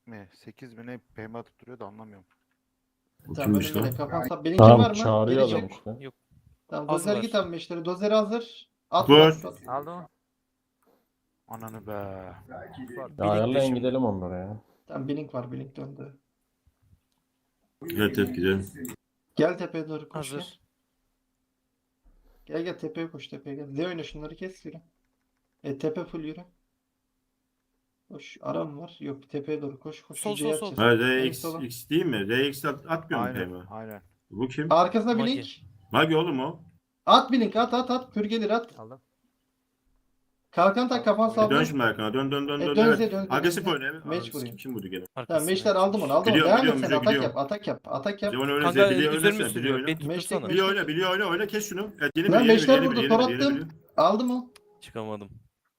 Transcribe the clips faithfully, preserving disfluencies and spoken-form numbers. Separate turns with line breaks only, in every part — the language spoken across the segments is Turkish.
mi? sekiz mi ne peyme atıp duruyor da anlamıyorum.
Bu
Tamam
kimmiş
önümde
lan?
de kafan sap. Bilinkin
Tamam
var mı?
çağırıyor
Geri
adam
çık.
işte.
Yok.
Tamam
Az
dozer
var.
git abi meşleri. Dozer hazır. At
Vur.
at at.
Aldım.
Ananı be.
Ya
Bilink
ayarlayın
peşim.
gidelim onlara ya.
Tamam blink var, blink döndü.
Evet evet gidelim.
Gel tepeye doğru koş gel.
Hazır.
Gel gel tepeye koş, tepeye gel. Z oyna şunları, kes yürü. E tepe full yürü. Koş, aram var. Yok, tepeye doğru koş koş.
Sol,
Hücreye
sol, sol.
atacağız.
Ha
En
R X,
sola.
X değil mi? R X at, atmıyor mu
Aynen
peyme?
aynen.
Bu kim?
Arkasına
Magi.
blink.
Magi oğlum o.
At blink, at at at. Kür gelir at.
Aldım.
Kalkan tak, kafan
E,
saldır.
dön şimdi arkana. Dön dön dön
E,
dön.
dön
Evet.
Z, dön Z,
Agresif
dön Z.
oyna. Evet.
Meç
Ananı
vuruyor.
sikeyim, kim vurdu gene?
Tamam
Arkasına
meşler aldım onu, aldım onu.
Biliyorum,
Devam et
biliyorum,
sen,
biliyorum,
atak
biliyorum.
yap, atak yap, atak yap.
Zevan öyle
Kanka
Z biliyor
üzerime
oynasana. Biliyor
sürüyor.
oyna.
Beni
Meştek,
tutursana.
Biliyor
meştek.
oyna. Biliyor oyna. Oyna kes şunu. Evet yeni
Lan
biri yeni biri
meşler
yeni biri
vurdu,
yeni
tor
biri yeni
attım.
biri.
Aldım o.
Çıkamadım.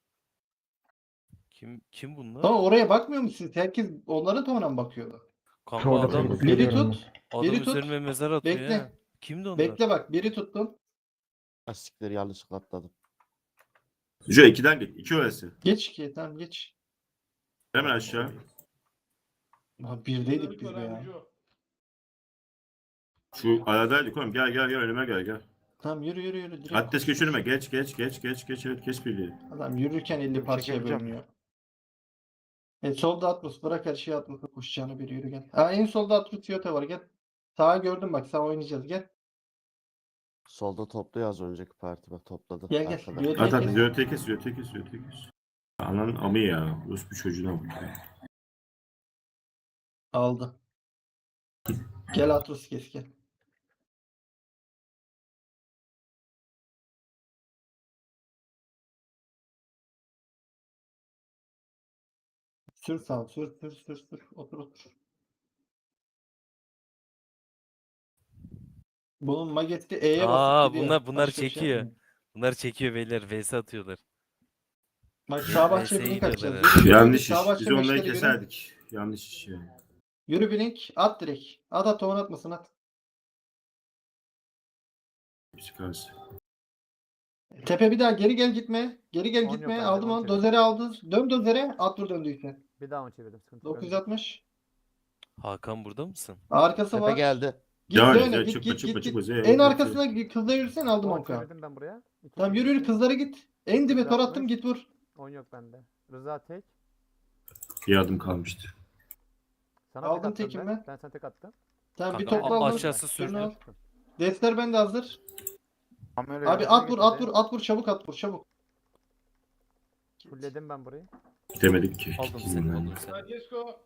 Kim kim bunlar?
Tamam oraya bakmıyor musunuz? Herkes onların tonuna mı bakıyordu?
Kanka
Orada
adam,
kırdık,
Biri
geliyorum
tut.
adam
biri tut.
üzerime mezar atıyor
Bekle.
ya. Kimdi onlar?
Bekle bak, biri tuttun.
Lastikleri yanlışlıkla atladım.
Şu ikiden git. İki öylesi.
Geç ki, tamam geç.
Hemen aşağı.
Ha, birdeydik biz de ya.
Şu aradaydık oğlum. Gel gel gel önüme gel gel.
Tamım yürü yürü yürü. Direkt
Adres
koş,
geç
koş.
önüme. Geç geç geç geç geç. Evet geç birliği.
Adam yürürken elli
Dur,
parçaya
çekebileceğim.
bölünüyor. E solda Atlas, bırak her şeyi Atlas'a koşacağını, bir yürü gel. Ha en solda Atlas Yota var, gel. Sağa gördüm bak, sağ oynayacağız, gel.
Solda topluyor az önceki parti bak topladı.
Gel, gel.
Arkada.
Yürü.
At at.
Kes.
Zöğüte kes. Zöğüte kes. Zöğüte kes. Ananın amı ya. Rus bir çocuğuna bak ya.
Aldı. Gel Atlas kes gel. Sür sağ, sür sür sür sür. Otur otur. Bunun mageti E'ye basıp
Aa
gidiyor.
bunlar bunlar
Başka bir şey
çekiyor.
yapmıyor.
Bunlar çekiyor beyler. V S atıyorlar.
Bak
Ya,
sağ bahçeye
V S'ye
blink
gidiyorlar
atacağız.
herhalde.
Yürü, yürü,
Yanlış
sağ
iş.
bahçe
Biz onları
meşleri görün.
keserdik. Yanlış iş yani.
Yürü blink. At direkt. At at, tohum atmasın at.
Psikolojisi.
Tepe bir daha geri gel gitme. Geri gel
On
gitme.
yok bende,
Aldım
on
onu.
çevir.
Dozeri aldı. Dön dozere. At dur döndüyse.
Bir daha mı çevirdim? Sıkıntı yok.
dokuz yüz altmış.
Hakan burada mısın?
Arkası
Tepe
var.
geldi.
Git
Devam et.
döne.
ya,
Git
Çıkma
git
çıkma
git
çıkma.
git.
Zey,
En
zey.
arkasına git, kızla yürüsen aldım
on
onka.
çevirdim ben buraya. İki
Tamam
çevirdim.
yürü yürü, kızlara git. En dibe tor attım,
altmış.
git vur.
on yok bende. Rıza tek.
Bir adım kalmıştı.
Sana
Aldım
tek attım
tekim
ben.
ben.
Ben sana tek attım.
Tamam bir
Kanka,
topla
a-
aldım.
aşağısı
Şunu
sürdü.
al. Defter bende hazır.
Kamera
Abi at vur at vur at vur, çabuk at vur çabuk.
Fulledim ben burayı.
Demedik ki.
Aldım seni, aldım seni.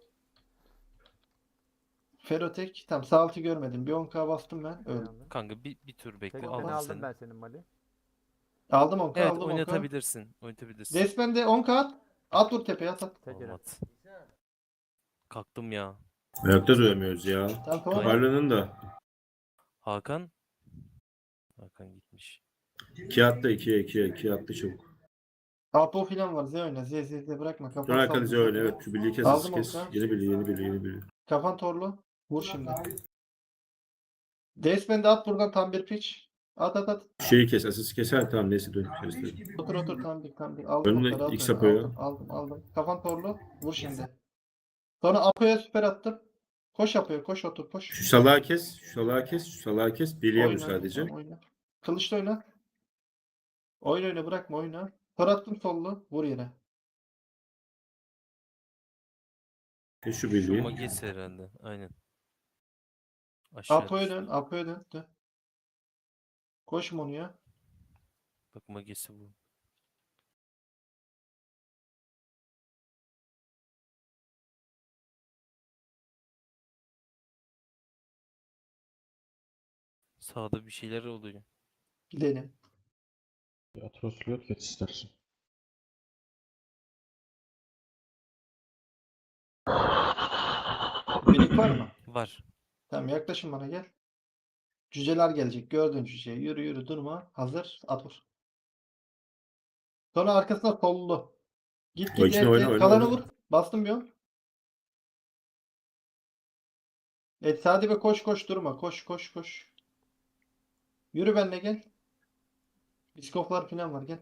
Ferotek. Tamam sağ altı görmedim. Bir on K bastım ben. Öldüm.
Aldım.
Kanka bir, bir tur bekle.
Tekini
Aldım
aldım
seni.
ben senin Mali.
Aldım on K,
Evet
aldım on K.
oynatabilirsin. Oynatabilirsin.
Despen'de on K at. At vur tepeye, at at.
Tek yere.
Olmaz. Kalktım ya.
Ayakta duramıyoruz ya.
Tamam tamam.
Toparlanın da.
Hakan. Hakan gitmiş.
İki attı ikiye ikiye. İkiye attı çabuk.
Apo filan var. Z oyna. Z Z Z bırakma.
Dön
Kafan
arkanıza
saldı.
öyle. Evet. Şu birliği kes.
Aldım
kes.
Okan.
Yeni biri yeni biri yeni biri.
Kafan torlu. Vur şimdi. Despen'de at buradan tam bir pitch. At at at.
Şeyi kes. Asası keser. Tamam neyse dön. Kes, dön.
Otur otur tam bir tam bir. Aldım
Önüne
onları,
X
aldım,
yapıyor.
aldım, aldım aldım. Kafan torlu. Vur şimdi. Sonra Apo'ya süper attım. Koş Apo'ya, koş otur koş.
Şu salağı kes. Şu salağı kes. Şu salağı kes. Birliğe vur
Oyna,
sadece.
tamam, oyna. Kılıçla oyna. Oyna oyna, bırakma oyna. Tor attım sollu. Vur yere.
Kes şu
Şu
birliği.
Magesi herhalde. Aynen. Aşağı
Apo'ya
düştü.
dön. Apo'ya dön. dön. Koş Monu'ya.
Bak Magesi bu. Sağda bir şeyler oluyor.
Gidelim.
Atrosluyot geç istersen.
Birlik var mı?
Var.
Tamam yaklaşın bana, gel. Cüceler gelecek. Gördün cüceyi. Yürü yürü durma. Hazır. At vur. Sonra arkasına sollu. Git
O
git.
içine
et,
oyna,
et.
oyna,
Kalanı
oyna.
vur. Bastım bir on. Evet Sadi be, koş koş durma. Koş koş koş. Yürü benimle gel. Biskoflar falan var, gel.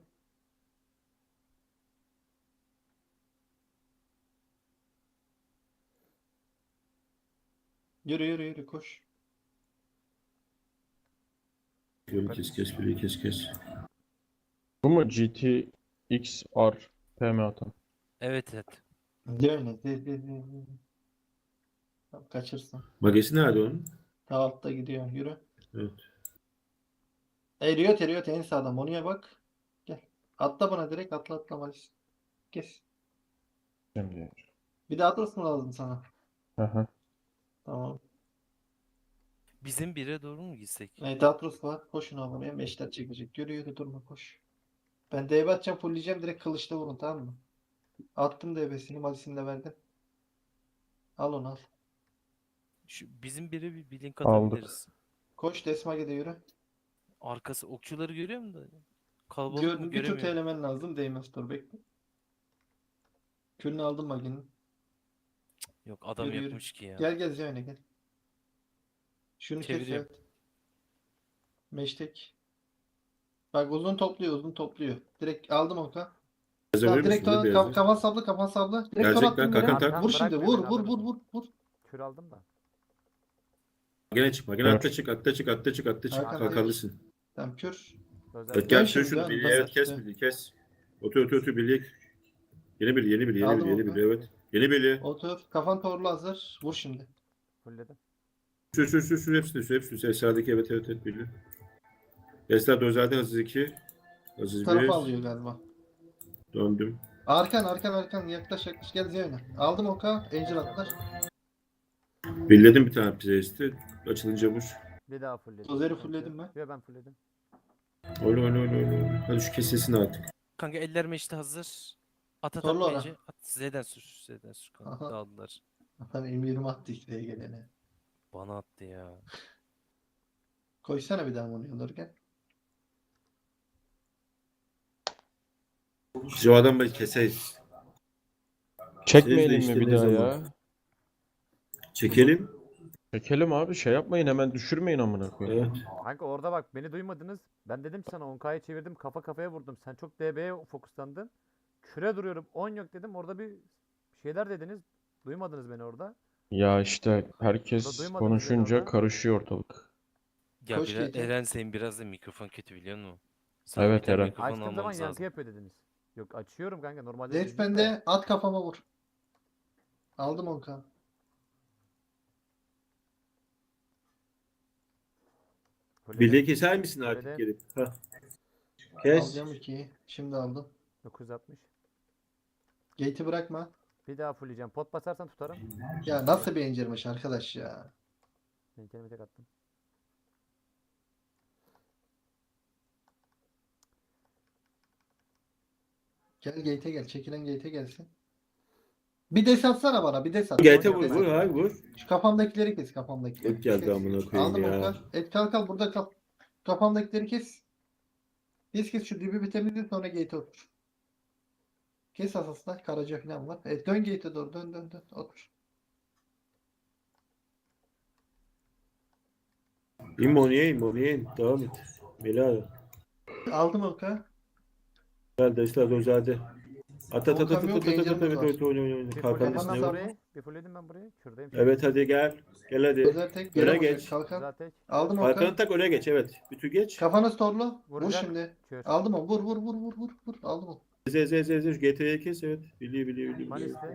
Yürü yürü yürü koş.
Yolu kes kes birliği kes kes.
Bu mu G T X R P M atan?
Evet evet.
De oyna. De, de, de, de. Tamam, kaçırsın.
Magesi nerede onun?
Ta altta gidiyor. Yürü.
Evet.
Eriyor eriyor en sağdan. Monu'ya bak. Gel. Atla bana direkt atla atla Malis. Kes.
Şimdi.
Bir daha atlasın lazım sana.
Aha.
Tamam.
Bizim bire doğru mu gitsek?
Evet Atlas var. Koşun abone. Meşler çekecek. Yürü yürü durma koş. Ben D B atacağım fullleyeceğim. Direkt kılıçla vurun tamam mı? Attım D B'sini. Malisini de verdim. Al onu al.
Şu bizim bire bir, bir link
Aldık.
atabiliriz.
Koş Desmage'de yürü.
Arkası okçuları görüyor musun da? Kalabalık
Gör,
mı
bir tur
göremiyorum.
elemen lazım. Değmez dur bekle. Kürünü aldım Magi'nin.
Yok adam
Yürü, yürü.
yokmuş ki ya.
Gel gel Zeyne gel. Şunu kes
Çeviriyorum.
evet. Meştek. Bak uzun topluyor uzun topluyor. Direkt aldım oka.
Beyazı
Tamam
verir
direkt
misin?
to-
Beyazı.
ka- kafan sabla kafan sabla. Direkt
Gelecek
tor
lan,
attım
kalkan
yere.
tak.
Vur şimdi
Bırak
vur
beni,
vur
alır
vur vur
mısın?
vur vur.
Kür aldım da.
Magene çık. Magene
Evet.
atla çık atla çık atla çık atla çık.
Hakan
Kalkanlısın.
Tamam kür.
Özel
Evet
Dön
gel
şimdi,
şunu şunu
dön,
birliği
dön,
evet kes
dön.
birliği kes. Otur otur otur birliği. Yeni bir yeni bir yeni
Aldım
bir yeni
oku.
bir evet. Yeni birliği.
Otur. Kafan torlu hazır. Vur şimdi.
fullledim.
Sür sür sür sür hepsini sür hepsini sür. Esra'daki evet evet evet birliği. Esra özelden hızlı iki.
Bu
Hızlı
tarafa
bir.
alıyor galiba.
Döndüm.
Arkan arkan arkan yaklaş yaklaş gel Zeyne. Aldım oka. Angel atlar.
Billedim bir tane priesti. Açılınca vur.
Bir daha fullledim.
Dozeri
Sıkıntı
fullledim
yok.
ben.
Yo ben fullledim.
Oyna oyna oyna oyna. Hadi şu kesesini artık.
Kanka eller meşte hazır. At at
Torlu
at
ara.
mece. At Z'den sür. Z'den sür kanka.
Aha.
Dağıldılar.
Adam M yirmi attı işte gelene.
Bana attı ya.
Koysana bir daha onu alırken.
Şu adamı keseyiz.
Çekmeyelim
işte
mi bir
ne
daha
zaman?
ya?
Çekelim.
Çekelim abi şey yapmayın hemen düşürmeyin amına koyayım.
Evet.
Kanka orada bak beni duymadınız. Ben dedim sana on K'ya çevirdim kafa kafaya vurdum. Sen çok D B'ye fokuslandın. Küre duruyorum on yok dedim. Orada bir şeyler dediniz. Duymadınız beni orada.
Ya işte
Orada
herkes
duymadınız beni
konuşunca
orada.
karışıyor ortalık.
Ya
Koş
biraz,
Gate'e.
Eren senin biraz da mikrofon kötü biliyor musun? Sana
Evet,
bir tane
Eren.
mikrofon
Açtığım zaman
almamız
yankı
lazım.
yapıyor dediniz. Yok açıyorum kanka normalde
Zed
düzgün de.
bende at kafama vur. Aldım oka.
Fulledim.
Birliği keser misin artık
Evet.
gelip? Hah. Kes.
Alacağım ikiyi. Şimdi aldım.
dokuz yüz altmış.
Gate'i bırakma.
Bir daha fullleyeceğim. Pot basarsan tutarım.
Ya nasıl bir incirmiş arkadaş ya.
Ben kendime tek attım.
Gel gate'e gel. Çekilen gate'e gelsin. Bir des atsana bana. Bir des at.
Gete
Bir
vur
des
vur
at.
hayır vur.
Şu kafamdakileri kes kafamdakileri.
Et geldi
Kes.
amına koyayım
Aldım
ya.
oka. Et kal kal burada kal. Kafamdakileri kes. Kes kes şu dibi bir temizle sonra gate'e otur. Kes asasla. Karaca falan var. Evet dön gate'e doğru. Dön dön dön. Otur.
İmmoniye immoniye. Devam et. Bela.
Aldım oka.
Geldi Esra özeldi. At at at at
Volkan
at
yok,
at at at
Angel'ımız
evet
var.
evet oyna oyna oyna.
Bir
Kalkanın
fulledim
Kafana
ben
üstüne
sar.
vur.
burayı. Bir fulledim ben burayı. Kürdeyim.
Evet hadi gel. Gel hadi.
Özel tek.
Öne
Yere vuracak.
geç.
Kalkan.
Zaten
Aldım
Kalkanı
oka.
tak öne geç evet. Bütü geç.
Kafanı storlu. Vur
Vuracak.
şimdi.
Kür.
Aldım onu. Vur vur vur vur vur vur. Aldım onu.
Z z z z G TA'yı kes evet. Biliyor biliyor biliyor. biliyor.
Malis'te.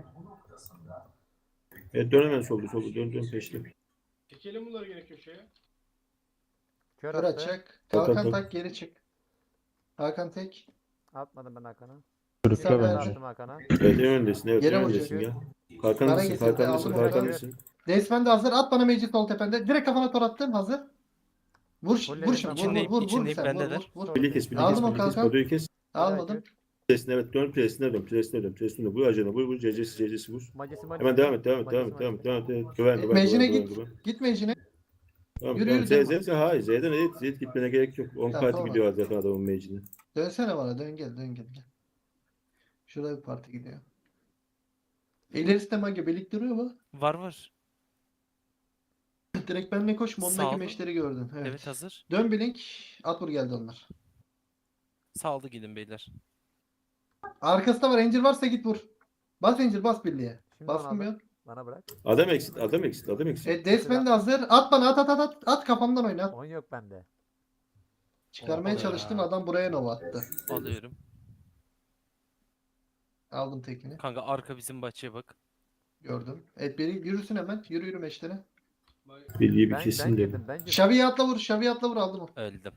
Evet dön hemen soldu soldu dön dön peşte.
Çekelim bunları gene köşeye.
Kör
Kör
attı.
atacak.
Hakan
Kalkan
tak.
tak geri çık. Hakan tek.
Atmadım ben Hakan'a.
Sen
Sürükle
ver.
bence.
Attım Hakan'a.
Evet en öndesin evet
Yere
en
vuracak.
öndesin ya.
Bana
Kalkanlısın
getirdi,
kalkanlısın
aldım oradan.
kalkanlısın.
Desmen de hazır. At bana meclis sol tepende. Direkt kafana tor attım. Hazır. Vur, ş-
Fulledim
vur
ben.
şimdi. Vur,
İçindeyim,
vur, vur, vur
içindeyim,
sen. Vur,
bendeler.
vur, vur.
Birliği kes birliği kes
Aldım o
birliği kes.
kalkan.
Bodoyu kes.
Almadım.
Presine evet dön presine dön presine dön presine dön. Vur acına vur vur cecesi cecesi vur.
Magesi Magesi.
Hemen devam et devam et devam et devam et devam et. Evet, Güven güven
Mecine
güven
git.
güven.
Git mecine.
Tamam
Yürü,
tamam
yürü,
Z
devam.
Z Z hayır Z'den evet Z gitmene gerek yok. on
Tamam,
parti
tamam.
gidiyor zaten adamın mecine.
Dönsene bana. Dön gel. Dön gel. gel. Şurada bir parti gidiyor. İlerisi de mage belik duruyor mu?
Var var.
Direkt benimle koş. Mondaki
Sağ ol.
meşleri gördün. Evet.
Evet, hazır.
Dön blink. At vur geldi onlar.
Sağlı gidin beyler.
Arkasında var. Angel varsa git vur. Bas Angel bas birliğe.
Şimdi onu
Bastım
aldım.
ya.
Bana bırak.
Adam eksit, adam eksit, adam eksit.
Evet Desmen de hazır. At bana at at at at. At kafamdan oyna.
on yok bende.
Çıkarmaya
Oha
çalıştım
ya.
adam buraya nova attı.
Alıyorum.
Aldım tekini.
Kanka arka bizim bahçeye bak.
Gördüm. Evet beni yürüsün hemen. Yürü yürü meşlere.
Birliği bir
Ben, ben
kesin dedim.
girdim ben girdim.
Şavi'ye atla vur. Şavi'ye atla vur aldım o.
Öldüm.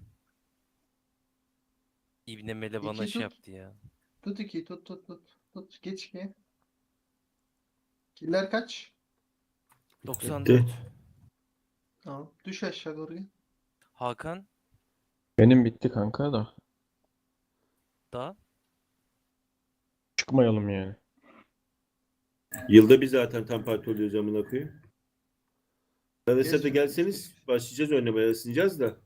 İbne Mele bana
İki
şey
tut.
yaptı ya.
Tut iki tut tut tut. Tut geç iki. Killer kaç?
doksan dört.
Bitti.
Tamam. Düş aşağı doğru. gel.
Hakan
Benim bitti kanka da.
da
Çıkmayalım yani.
Yılda bir zaten tam parti oluyoruz amına koyayım. Arkadaşlar da
Geç,
gelseniz
geç.
başlayacağız oynamaya, ısınacağız da.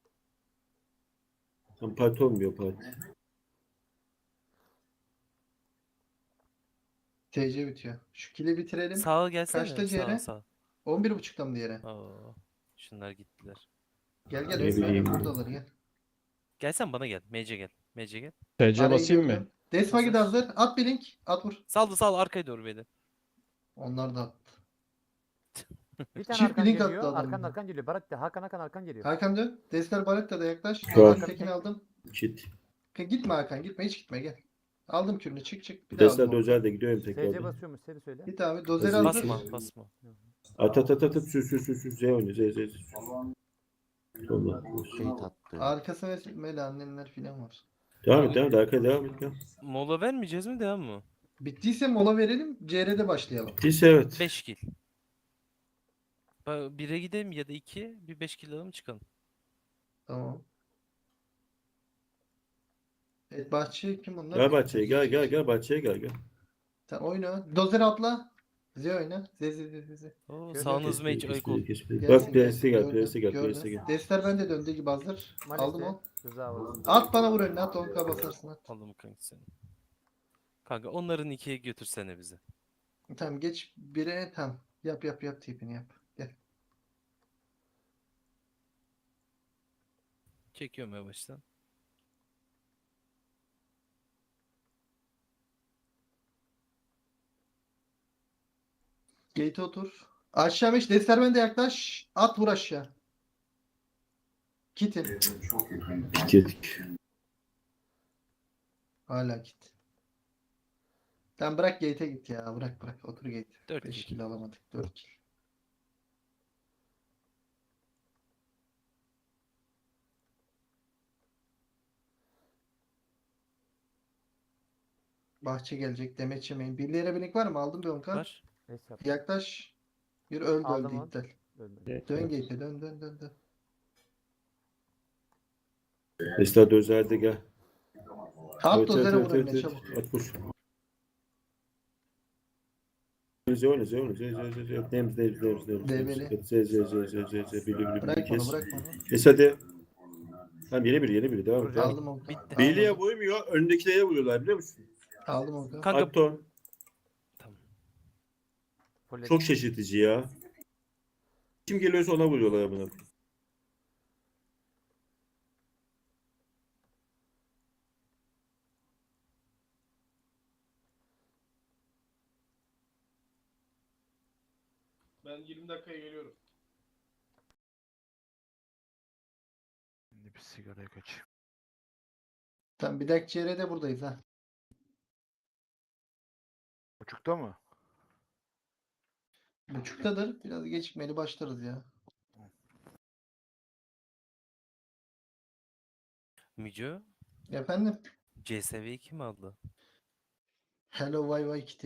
Tam parti olmuyor parti.
T C bitiyor. Şu kili bitirelim.
sağa gelsene.
Kaçta
Sağa
C R?
sağa.
on bir buçukta mı diğeri?
Oo, şunlar gittiler.
Gel gel.
Ne
Resmen
bileyim.
buradalar gel.
Gelsen bana gel. Mece gel. Mece gel.
T C
Arayı
basayım mı?
gördüm. Desma gidi
Hazır.
hazır. At bir link. At vur.
Saldı sal arkaya doğru beni.
Onlar da attı.
Bir tane
Çift
arkan
blink
geliyor.
attı adam
Arkan
bir.
arkan geliyor. Barak da Hakan Hakan arkan geliyor.
Hakan dön. Destar Baretta da yaklaş.
Tamam.
Ben tekini aldım.
Kit.
Gitme Hakan gitme hiç gitme gel. Aldım kürünü çık çık. Bir daha
Desler
aldım. onu.
dozer de gidiyorum
S C
tekrar.
basıyormuş seni söyle.
Git abi dozer
Hazır.
hazır.
Basma basma.
At at at at at sür sür sür sür. Z oynuyor Z Z Z. Tamam.
Gate attı.
Arkası ve mele annenler filan var.
Devam et devam et. Arkaya devam et. Devam.
Mola vermeyeceğiz mi devam mı?
Bittiyse mola verelim. C R'de başlayalım.
Bittiyse evet.
beş kill. bire gidelim ya da iki. Bir beş kill alalım çıkalım.
Tamam. Evet bahçe kim bunlar?
Gel bahçeye gel gel gel bahçeye gel gel.
Sen oyna. Dozer atla. Z oyna. Z z z z.
Oo,
Şöyle
sağınız mage
Kes,
ayık
kes,
ol.
kes, kes.
Gelsin,
Bak
gelsin.
P S'e gel
Gördüm,
P S'e gel P
gördüm.
S'e gel.
Destler bende döndüğü gibi hazır. Aldım o.
Rıza var.
At bana vur önüne at on K basarsın at.
Aldım kanka seni. Kanka onların ikiye götürsene bizi.
Tamam geç bire tam. Yap yap yap tipini yap. Gel.
Çekiyorum yavaştan.
Gate otur. Aşağı meş destler bende yaklaş. At vur aşağı. Kitin.
Girdik.
Hala kit. Sen bırak gate'e git ya. Bırak bırak. Otur gate.
Dört
beş
kill.
kill alamadık. dört kill. Bahçe gelecek. Demet yemeyin. Birliğe blink var mı? Aldım bir on K.
Var.
Neyse yap.
Yaklaş. Bir öldü
Aldım
öldü
onu.
iptal.
Ölmedi.
Dön gate'e dön dön dön dön.
Desler dozer de gel.
At
Evet,
dozere
evet,
vur
evet,
önüne
evet,
çabuk.
evet. At vur. Z oyna Z oyna Z Z Z Z. Nems nems nems nems.
Develi.
Z Z Z Z Z Z. Bili bili
Bırak
bili
bunu
kes.
bırak bunu.
Kes hadi. Tamam yeni biri yeni biri devam et.
Vuracağım.
devam et.
Aldım on K.
Bitti.
Birliğe
Aldım.
vurmuyor. Öndekilere vuruyorlar biliyor musun?
Aldım on K.
Kanka
Akton.
tamam.
Full
Çok şaşırtıcı ya. Kim geliyorsa ona vuruyorlar buna.
Ben yirmi dakikaya geliyorum.
Şimdi bir sigaraya kaçayım.
Tamam bir dahaki C R'de buradayız ha.
Buçukta mı?
Buçuktadır. Biraz gecikmeli başlarız ya.
Müco
Efendim?
C S V'yi kim aldı?
Hello vay vay kiti.